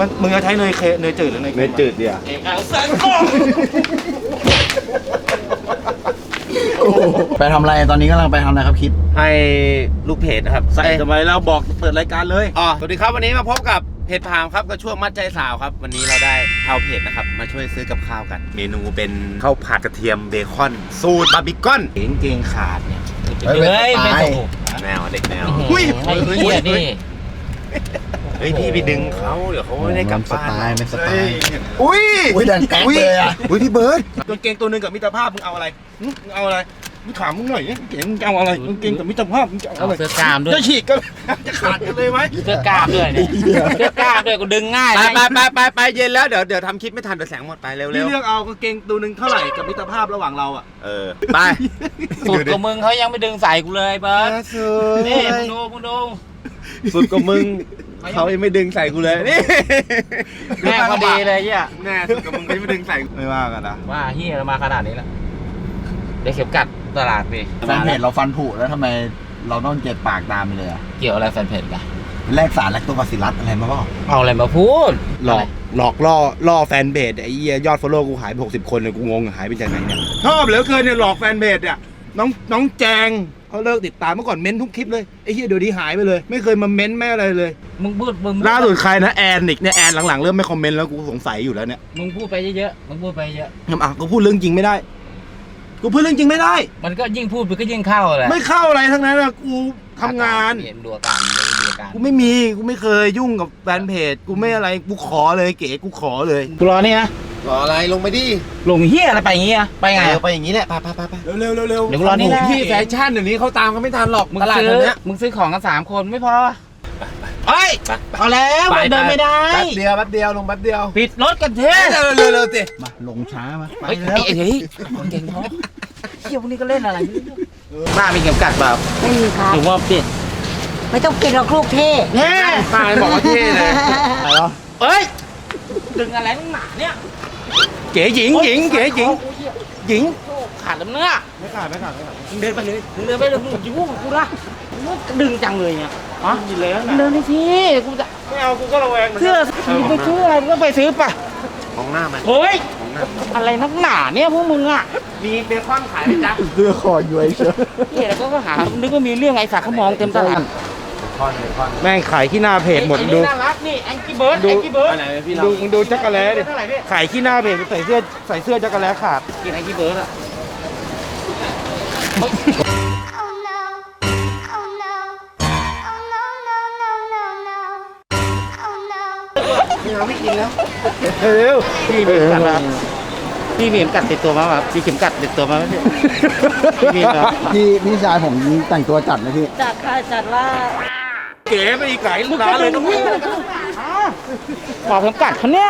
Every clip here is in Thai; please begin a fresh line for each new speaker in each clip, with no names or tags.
มึงจะใช้เนยจืดหรือเนยจืดเดียว
ไปทำอะไรตอนนี้กำลังไปทำอะไรครับคิด
ให้ลูกเพจนะครับ
ใส่ทำไมเราบอกเปิดรายการเลย
สวัสดีครับวันนี้มาพบกับเพจพามครับก็ช่วงมัดใจสาวครับวันนี้เราได้ชาวเพจนะครับมาช่วยซื้อกับข้าวกันเมนูเป็นข้าวผัดกระเทียมเบคอนสูตรบาร์บีคอน
เกงขาดเนี่ย
ไม่ถูก
แนวเด็กแนว
ไอ้เหี้ยนี่
เฮ้ยพี่ไปดึงเขาเดี๋ยวเขาไม่ได้กลับบ้าน
เป็นสไตล์
อุ้ย
ดันแก๊กเลยอ่ะ
อุ้ยพี่เบิร์ดกางเกงตัวนึงกับมิตรภาพมึงเอาอะไรมึงเอาอะไรมึงถามมึงหน่อยเก๋มึงเอาอะไรกางเกงกับมิตรภาพมึงจะเอาอะไร
เสื้อกล้ามด้วย
จะฉีกกันจะขาดกันเลยไหม
เสื้อกล้ามด้วยเนี่ยเสื้อกล้ามด้วยกูดึงง่าย
ไปเย็นแล้วเดี๋ยวทำคลิปไม่ทันเดี๋ยวแสงหมดไปเร็ว
พี่เลือกเอากางเกงตัวนึงเท่าไหร่กับมิตรภาพระหว่างเราอ่ะ
ไป
สุดกับมึงเขายังไม่ดึงใส่กูเลยเบิร์ดนี่มึงดู
สุดกับมึงเขายังไม่ดึงใส่กูเลยนี่
แม่พอดีเลยเนี่ย
แน่สุดกับมึงเขายังไม่ดึงใส่
ไม่ว่ากันนะ
ว่าเฮียเรามาขนาดนี้แล้วได้เข็มกัดตลาดดิ
แฟนเพจเราฟันผุแล้วทำไมเราต้องเจ็บปากตามไปเลย
เกี่ยวอะไรแฟนเพจกัน
แลกสารแลคโตบาซิลลัสอะไรมาบ้าง
เอาอะไรมาพูด
หลอกล่อแฟนเพจไอ้ยอดฟอลโล่กูหายไป60 คนเลยกูงงหายไปจากไหนเนี่ยชอบเหลือเกินเนี่ยหลอกแฟนเพจเนี่ยน้องแจงเขาเลิกติดตามเมื่อก่อนเม้นทุกคลิปเลยไอ้เหี้ยเดี๋ยวนี้หายไปเลยไม่เคยมาเม้นแม่อะไรเลย
มึงพูด
ล่าสุดใครนะแอนอีกเนี่ยแอนหลังๆเริ่มไม่คอมเมนต์แล้วกูสงสัยอยู่แล้วเนี่ย
มึงพูดไปเยอะมึงพูดไปเยอะ
กูพูดเรื่องจริงไม่ได้กูพูดเรื่องจริงไม่ได้
มันก็ยิ่งพูดมันก็ยิ่งเข้าเลย
ไม่เข้าอะไรทั้งนั้นอะกูทำงาน
ดูอาการ
กูไม่เคยยุ่งกับแฟนเพจกูไม่อะไรกูขอเลยเก๋กูขอเลยกูรอนี่นะ
รออะไรลงไปดิ
ลงเฮียอะไรไปอย่างงี้อะไปไง
ไปอย่างงี้แหละไป
เร็ว
เดี๋ยวรอนี่นะ
พี่แฟชั่นเดี๋ยวนี้เขาตามเขาไม่ทันหรอก
ตลาดเนี้ยมึงซื้อของกัน3 คนไม่พอเฮ้ยเอาแล้วเดินไม่ได้
แป๊บเดียวลงแป๊บเดียว
ปิดรถกันเถอะ
เร็วสิ
มาลงช้ามา
ไปแล้วเฮ้ยเก่งพอเที่ยวพวกนี้ก็เล่นอะไรป้ามีเข็มกัดเปล่า
ไม่มีครับ
หรือว่าปิด
ไม่ต้องปิดหรอกลูกเท่
แน่
ป้าบอกว่าเท่เลย
อะไรหรอเฮ้ยดึงอะไรตั้งหนาเนี่ย
เก๋หญิงเก๋หญิง
ขาดแล้วเนื้อ
ไม่ขาด
เดินไปเลยยุ่งกูละดึงจังเลยเนี่ยอ๋อยินเลยเดินไปสิกูจะ
ไม่เอากูก็ระแวง
เสื้อไปซื้ออะไรก็ไปซื้อป่ะ
ของหน้ามัน
เฮ้ยอะไรนักหนาเนี่ยพวกมึงอ่ะ
มีเบคอนขายไหมจ๊ะ
เสื้อคอย้วยเชียว
นี่แล้วก็หานึกว่ามีเรื่องไอ้สักเขามองเต็มตลาด
แม่งขายขี้หน้าเพจหมดดู
น่ารักนี่แองกี้เบิร์ด
ดูจักรแล้ดิขายขี้หน้าเพจใส่เสื้อจักรแล้ขาด
กินแองกี้เบิร์ดอ่ะ
ไม่กินแล้ว
เร็ว
พี่มีเข็มกัดพี่มีเข็มกัดติดตัวมาครับพี่เข็มกัดติดตัวมา
พี่ชายผมแต่งตัวจัดนะพี่
จัดค่ะจัดว่า
เก๋ไปอีกหลายร้านเลยตรงนี้
ขอเข็มกัดเขาเนี่ย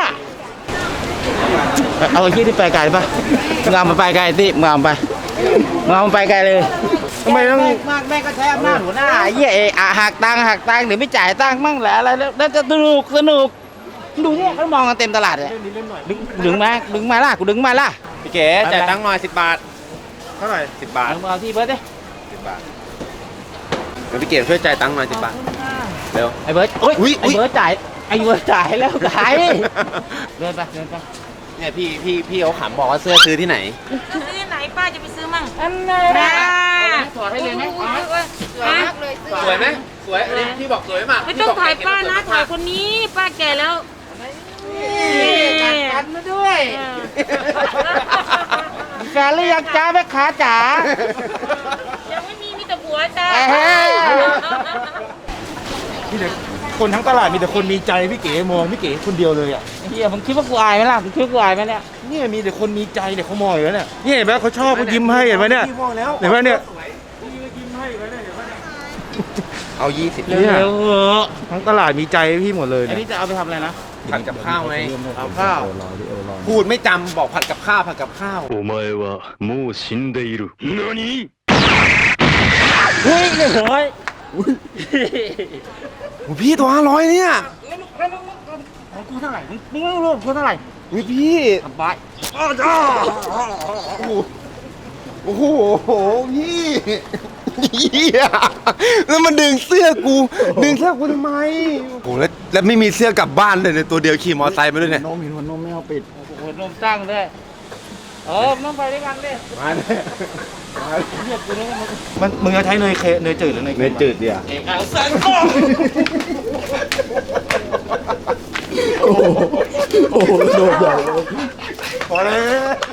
เอาไอ้ที่ไปไกลป่ะงามมาไปไกลที่งามไปไกลเลย
ทำไมต้อง
แม่ก็ใช้อำนาจหัวหน้าเย่หักตังค์เดี๋ยวไม่จ่ายตังค์มั่งแหละอะไรแล้วจะสนุกดูเนี่ยเขามองกันเต็มตลาดเลยดึงมาล่ะกูดึงมาล่ะ
พี่เก๋จ่ายตังค์หน่อย10 บาท
เท่าไหร่
10 บาท
เอาที่เบิร์ดดิ
10 บาทเดี๋ยวพี่เก๋ช่วยจ่ายตังค์หน่อย10 บาทเร็ว
ไอ้เบิร์ดไอ้เบิร์ดจ่ายแล้วขายเดินไป
เนี่ยพี่เขาขำบอกว่าเสื้อซื้อที่ไหน
ซื้อที่ไหนป้าจะไปซื้อมั่ง
อันไหนถอดให้เลยไหม
สวยไหมสวยอันนี้พี่บอกสวยมาก
ไม่ต้องถ่ายป้านะถ่ายคนนี้ป้าแก่แล้ว
กันมาด้วยแฟนหรือยังจ้าแม่ค้าจ๋า
ยังไม่มีแต่ผัวจ้า
คนทั้งตลาดมีแต่คนมีใจพี่เก๋มองพี่เก๋คนเดียวเลยอ่ะ
เฮียมึงคิดว่ากูอายไหมล่ะมึงคิดว่ากูอายไหมเนี่ย
เนี่ยมีแต่คนมีใจเนี่ยเขามองอยู่แล้วเนี่ยนี่เห็นไหมเขาชอบเขายิ้มให้เห็นไหมเนี่ยเห็นไหมเนี่ย
เอา20
เร็ว
ทั้งตลาดมีใจพี่หมดเลย
อันนี้จะเอาไปทำอะไรนะ
ผัดกับข้าวไง
เอาข้าว
พูดไม่จำบอกผัดกับข้าว
お前はもう死んでいる何
เฮ้ย100
พี่ตัว500เนี่ย
ของกูเท่าไหร่มึงไม่รู้กูเท่าไหร่
พี่
สบาย
โอ้โหพี่แล้วมันดึงเสื้อกูทำไมโอ้แล้วแล้วไม่มีเสื้อกลับบ้านเลยในตัวเดียวขี่มอไซค์มาด้วยเนี่ย
นมเห็นหัวนมไม่เอาปิด
หัวนมตั้งด้วยต้องไปด้วยกันดิ
มาเนี่ย
เรียกกูนี่มัน
มึงจะใช้เนยจืดหรือเนย
เนยจืดเดียว
เอกเอาเส้นก้ม
โอ้โหโดดใหญ่เลย
พอแล้ว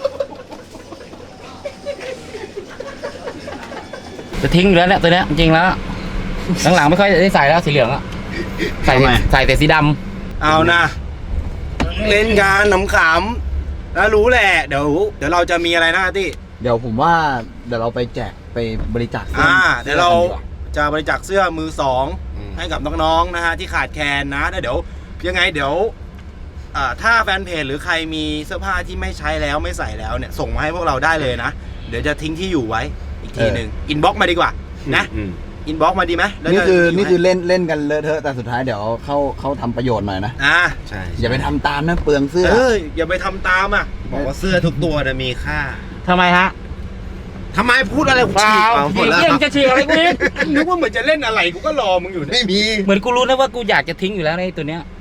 จะทิ้งอยู่แล้วเนี่ยตัวเนี้ยจริงๆแล้วหลังๆไม่ค่อยได้ใส่แล้วสีเหลืองอะใส่แต่สีดำ
เอานะเล่นกันขำๆแล้วรู้แหละเดี๋ยวเราจะมีอะไรนะที่
เดี๋ยวผมว่าเดี๋ยวเราไปแจกไปบริจาคสื้อ
เดี๋ยวเรา
สื้อกันดีกว่
จะบริจาคเสื้อมือสองให้กับน้องๆนะฮะที่ขาดแคลนนะแล้วเดี๋ยวยังไงเดี๋ยวถ้าแฟนเพจหรือใครมีเสื้อผ้าที่ไม่ใช้แล้วไม่ใส่แล้วเนี่ยส่งมาให้พวกเราได้เลยนะเดี๋ยวจะทิ้งที่อยู่ไว้อีกทีหนึ่งอินบ็อกมาดีกว่านะอินบ็อกมาดีไหมแล้ว
นี่
จะ
คือ
ทิ้ง
นี่
ไว้
คือเล่นกันเลอะเทอะแต่สุดท้ายเดี๋ยวเขาทำประโยชน์หน่อยนะ
ใช่
อย่าไปทำตามนะเปลืองเสื้อ
อย่าไปทำตามอ่ะ
บอกว่าเสื้อทุกตัวนะมีค่า
ทำไมฮะ
ทำไมพูดอะไรกู
เป
ฉี
ล่าก
หมดแล้ว
เยี่ยมจะฉีกอะไรกูอีก
นึกว่าเหมือนจะเล่นอะไรกูก็รอมึงอยู่เนี่ย
ไม่มี
เหมือนกูรู้นะว่ากูอยากจะทิ้งอยู่แล้วในตัวเนี้ย